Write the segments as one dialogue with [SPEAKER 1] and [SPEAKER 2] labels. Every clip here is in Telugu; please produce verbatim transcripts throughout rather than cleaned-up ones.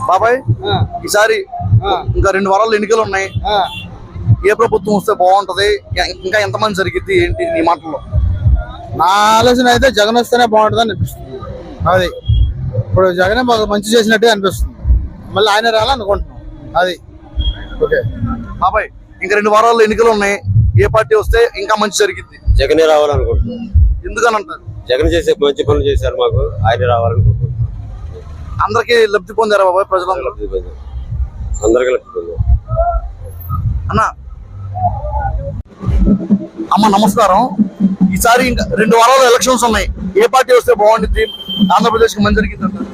[SPEAKER 1] బాబాయ్ ఈసారి ఇంకా రెండు వారాలు ఎన్నికలు ఉన్నాయి. ఏ ప్రభుత్వం వస్తే బాగుంటది, ఇంకా ఎంతమంది జరిగిద్ది ఏంటి నీ మాటల్లో?
[SPEAKER 2] నా ఆలోచన అయితే జగన్ వస్తేనే బాగుంటుంది అని అనిపిస్తుంది. అది ఇప్పుడు జగనే మాకు మంచి చేసినట్టే అనిపిస్తుంది. మళ్ళీ ఆయన రాలనుకుంటున్నాం. అది ఓకే
[SPEAKER 1] బాబాయ్, ఇంకా రెండు వారాల్లో ఎన్నికలు ఉన్నాయి. ఏ పార్టీ వస్తే ఇంకా మంచి జరిగిద్ది?
[SPEAKER 3] జగనే రావాలనుకుంటున్నాం.
[SPEAKER 1] ఎందుకని అంటారు?
[SPEAKER 3] జగన్ చేసే మంచి పనులు చేశారు, మాకు ఆయన రావాలనుకుంటున్నాం.
[SPEAKER 1] అందరికి లబ్ధి పొందారా బాబాయ్? ప్రజలందరూ
[SPEAKER 3] లబ్ధి పొందారు, అందరికీ లబ్ధి పొందారు.
[SPEAKER 1] అన్న అమ్మ నమస్కారం. ఈసారి ఇంకా రెండు వారాలు ఎలక్షన్స్ ఉన్నాయి. ఏ పార్టీ వస్తే బాగుంటుంది, ఆంధ్రప్రదేశ్ కి మంచి జరిగింది అంటారు?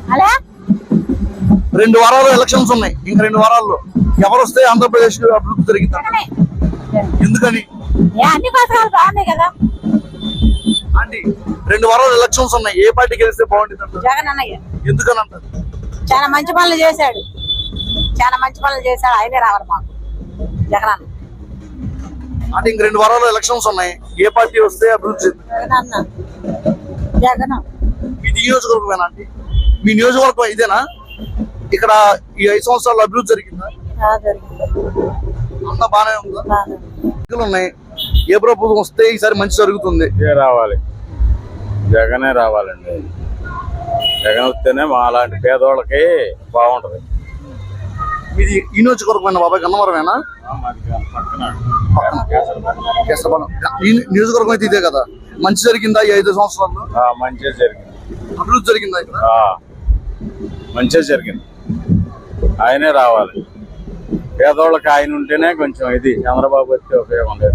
[SPEAKER 1] రెండు వారాలు ఎలక్షన్స్ ఉన్నాయి. ఇంకా రెండు వారాల్లో ఎవరు వస్తే ఆంధ్రప్రదేశ్ అభివృద్ధి జరిగింది అంటారు? ఎందుకని? ఆంటీ, రెండు వారాలు ఎలక్షన్స్ ఉన్నాయి. ఏ పార్టీ గెలిస్తే బాగుంటుంది అంటారు?
[SPEAKER 4] జగన్ అన్నయ్య.
[SPEAKER 1] ఎందుకని అంటారు?
[SPEAKER 4] చాలా మంచి పనులు చేశాడు, చాలా మంచి పనులు చేశాడు. ఆయనే రావాలి మాకు జగన్ అన్న.
[SPEAKER 1] అంటే ఇంక రెండు వారాలు ఎలక్షన్స్ ఉన్నాయి. ఏ పార్టీ వస్తే అభివృద్ధి
[SPEAKER 4] జగన్ అన్న. జగన్
[SPEAKER 1] మీ నియోజకవర్గమేనా ఆంటీ? మీ నియోజకవర్గం ఇదేనా? ఇక్కడ ఈ ఐదు సంవత్సరాలు అభివృద్ధి జరిగిందా? అంతా బాగానే ఉందా? ఎన్నికలు ఉన్నాయి. ఏ ప్రభుత్వం వస్తే ఈసారి మంచి జరుగుతుంది?
[SPEAKER 5] రావాలి, జగనే రావాలండి. జగన్ వస్తేనే మా అలాంటి పేదవాళ్ళకి బాగుంటది.
[SPEAKER 1] మీది ఈ నియోజకవర్గం బాబాయ్? గన్నవరమేనా? ఈ నియోజకవర్గం అయితే ఇదే కదా. మంచి జరిగిందా ఈ ఐదు సంవత్సరాల్లో?
[SPEAKER 5] మంచిగా జరిగింది.
[SPEAKER 1] అభివృద్ధి జరిగిందా ఇక్కడ?
[SPEAKER 5] మంచిగా జరిగింది. ఆయనే రావాలి. పేదవాళ్ళకి ఆయన ఉంటేనే కొంచెం ఇది. చంద్రబాబు వస్తే ఉపయోగం లేదు.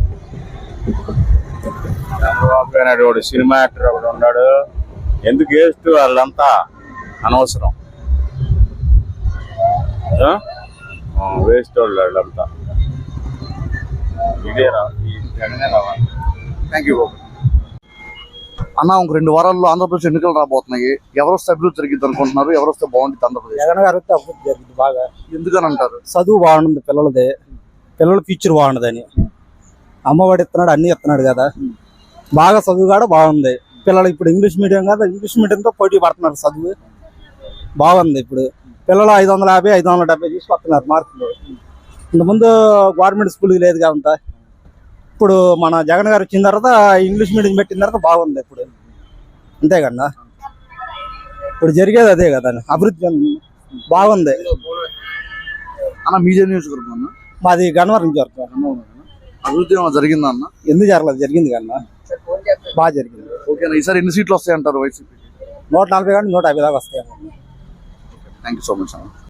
[SPEAKER 5] చంద్రబాబు నాయుడు ఒకడు సినిమా యాక్టర్ ఒకడు ఉన్నాడు. ఎందుకు వేస్ట్, వాళ్ళంతా అనవసరం. వేస్ట్ వాళ్ళు వాళ్ళంతా. ఇదే రావాలి, జగనే రావాలి.
[SPEAKER 1] థ్యాంక్ యూ బాబు. అన్న, ఇంక రెండు వారాల్లో ఆంధ్రప్రదేశ్ ఎన్నికలు రాబోతున్నాయి. ఎవరు వస్తే అభివృద్ధి జరిగింది అనుకుంటున్నారు? ఎవరు వస్తే బాగుంటుంది ఆంధ్రప్రదేశ్?
[SPEAKER 2] జగన్ గారు వస్తే అభివృద్ధి జరిగింది బాగా.
[SPEAKER 1] ఎందుకని అంటారు?
[SPEAKER 2] చదువు బాగుంది పిల్లలదే, పిల్లల ఫ్యూచర్ బాగుండదని. అమ్మఒడి ఇస్తున్నాడు, అన్ని ఇస్తున్నాడు కదా. బాగా చదువు కూడా బాగుంది. పిల్లలు ఇప్పుడు ఇంగ్లీష్ మీడియం కదా, ఇంగ్లీష్ మీడియంతో పోటీ పడుతున్నారు. చదువు బాగుంది. ఇప్పుడు పిల్లలు ఐదు వందల యాభై ఐదు వందల డెబ్బై తీసుకొస్తున్నారు మార్కులు. ఇంతకుముందు గవర్నమెంట్ స్కూల్ లేదు కదా. ఇప్పుడు మన జగన్ గారు వచ్చిన తర్వాత ఇంగ్లీష్ మీడియం పెట్టిన తర్వాత బాగుంది. ఇప్పుడు అంతే కన్నా ఇప్పుడు జరిగేది అదే కదా. అభివృద్ధి బాగుంది.
[SPEAKER 1] అన్న మీదే నియోజకవర్గం అన్న?
[SPEAKER 2] మాది గన్నవరం నియోజకవర్గం.
[SPEAKER 1] అభివృద్ధి ఏమైనా జరిగిందా అన్న?
[SPEAKER 2] ఎందుకు జరగలేదు? జరిగింది కన్నా, బాగా జరిగింది.
[SPEAKER 1] ఓకేనా? ఈసారి ఎన్ని సీట్లు వస్తాయి అంటారు వైసీపీ?
[SPEAKER 2] నూట నలభై కానీ నూట యాభై దాకా వస్తాయి.
[SPEAKER 1] థ్యాంక్ యూ సో మచ్ అన్న.